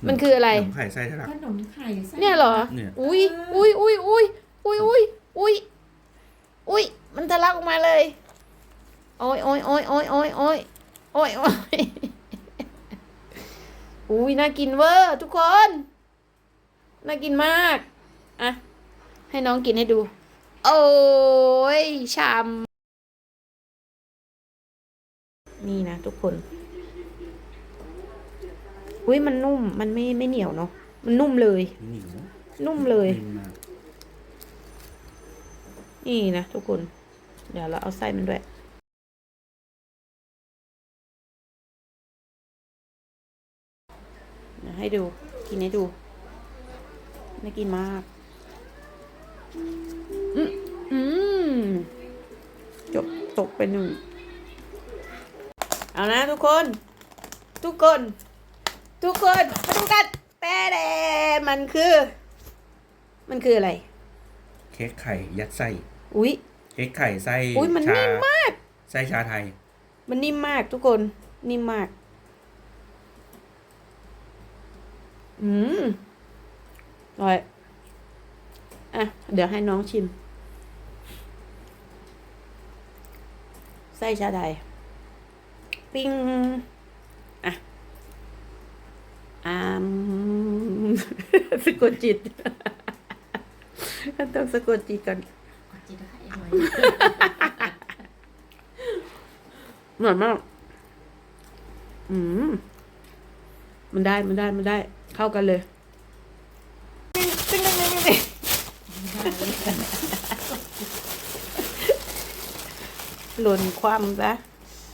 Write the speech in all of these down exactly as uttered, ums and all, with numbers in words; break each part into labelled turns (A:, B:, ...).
A: มันคืออะไร
B: ขนมไข่ไส้ทะลัก
C: ขนมไข่ไส้
A: เนี่ยเหรอ
B: เนี่ย
A: อุ้ยอุ้ยอุ้ยอุ้ยอุ้ยอุ้ยอุ้ยอุ้ยมันทะลักออกมาเลยโอ้ยโอ้ยโอ้ยโอ้ยโอ้ยโอ้ยโอ้ยโอ้ยอุ้ยน่ากินเวอร์ทุกคนน่ากินมากอ่ะให้น้องกินให้ดูโอ้ยชามนี่นะทุกคนอุ้ยมันนุ่มมันไม่ไม่เหนียวเนาะมันนุ่มเลย
B: เหนียว
A: นุ่มเลย
B: นิ่มมาก
A: นี่นะทุกคน เดี๋ยวเราเอาไส้มันด้วยเดี๋ยวให้ดู กินให้ดูน่ากินมาก อืมอืมจบตกไปหนึ่ง เอานะทุกคน ทุกคน ทุกคนมาดูกันแต่แต่มันคือ มันคืออะไร
B: เค้กไข่ยัดไส้
A: อุ๊ย
B: เค้กไข่ไส้
A: อุ๊ยมัน
B: ชา
A: นิ่มมาก
B: ไส้ชาไทย
A: มันนิ่มมากทุกคน นิ่มมาก อืมอร่อยอ่ะ เดี๋ยวให้น้องชิม ไส้ชาไทย ปิ้ง อ่ะอามสะกดจิต ต้องสะกดจิตก่อน
C: กดจิตให้อร่อย
A: อร่อยมาก อืม มันได้ มันได้ มันได้ เข้ากันเลยตึ้งตึ้งตึ้งตึ้งตึ้งหล่นความซะ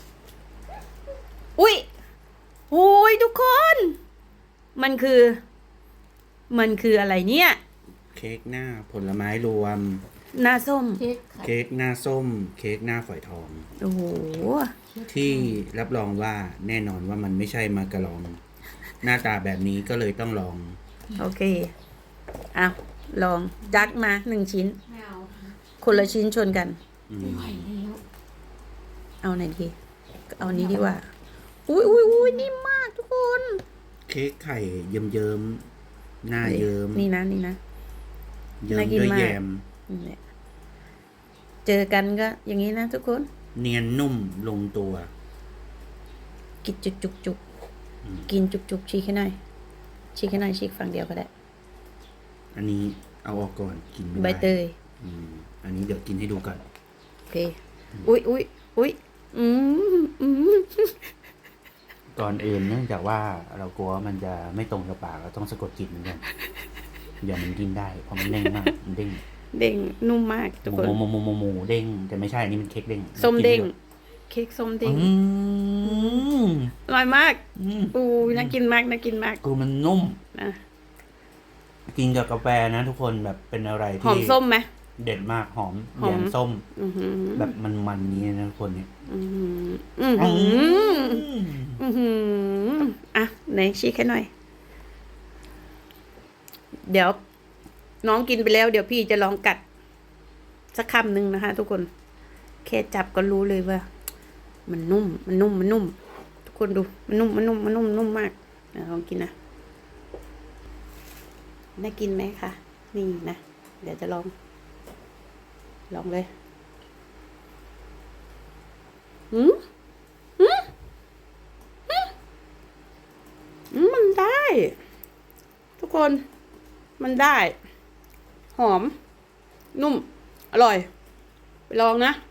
A: อุ้ยโอ้ยทุกคน มันคือ มันคืออะไรเนี่ย
B: เค้กหน้าผลไม้รวม
A: หน้าส้ม
C: เค้กไข่
B: เค้กหน้าส้ม เค้กหน้าฝอยทอง
A: โอ้โห
B: ที่รับรองว่าแน่นอนว่ามันไม่ใช่มาการอง หน้าตาแบบนี้ก็เลยต้องลอง
A: โอเคเอาลองจัดมาหนึ่งชิ้น
C: ไม่เอา
A: คนละชิ้นชนกัน
B: อืม
C: ไม่ไหวแล้ว
A: เอาไหนดี เอานี้ดีกว่า อุ้ยอุ้ยอุ้ยนิ่มมากทุกคน
B: เค้กไข่เยิ้มเยิ้มๆหน้าเยิ้ม
A: นี่นะนี่นะ
B: เยิ้ม
A: น่ากิน
B: ด้วย
A: มาก
B: แยม
A: นี่แหละเจอกันก็อย่างนี้นะทุกคน
B: เนียนนุ่มลงตัว
A: กินจุกจุกจุก
B: อืม
A: กินจุกจุกฉีกให้หน่อยฉีกให้หน่อยฉีกฝั่งเดียวก็ได้
B: อันนี้เอาออกก่อนกินไม่ได้
A: ใบเตย
B: อืมอันนี้เดี๋ยวกินให้ดูก่อน
A: โอเค อุ้ยอุ้ยอุ้ยอืมอืม
B: ก่อนอื่นเนื่องจากว่าเรากลัวว่ามันจะไม่ตรงกับปากเราต้องสะกดจิตเหมือนกันอย่ามันกินได้เพราะมันเด้งมากมันเด้ง
A: เด้งนุ่มมากทุก
B: ห
A: คน
B: มูหมูหมูหมูหมูเด้งแต่ไม่ใช่อันนี้มันเค้กเด้ง
A: ส้มเด้ง
B: กิน
A: เค้กส้ม
B: ได้
A: เด้ง
B: อืม
A: อร่อยมาก
B: อืม
A: อู้ยน่ากินมากน่ากินมาก
B: คือมันนุ่ม
A: นะ
B: กินกับกาแฟนะทุกคนแบบเป็นอะไร
A: หอ
B: ที่
A: มส้มไหม
B: เด็ดมากหอม
A: หอม
B: แยมส้ม
A: อือหือ
B: แบบมันๆนี้นะทุกคนเนี่ย
A: อือหืออือหืออือหืออ่ะไหนชี้ให้หน่อย เดี๋ยว น้องกินไปแล้ว เดี๋ยวพี่จะลองกัด สักคำหนึ่งนะคะ ทุกคนแค่จับก็รู้เลยว่า มันนุ่ม มันนุ่ม มันนุ่ม ทุกคนดู มันนุ่ม มันนุ่ม มันนุ่ม นุ่มมากอ่ะลองกินนะน่ากินไหมคะ นี่นะ เดี๋ยวจะลอง ลองเลยอืมอืมอืมอืมมันได้ ทุกคน มันได้ หอม นุ่ม อร่อย ไปลองนะ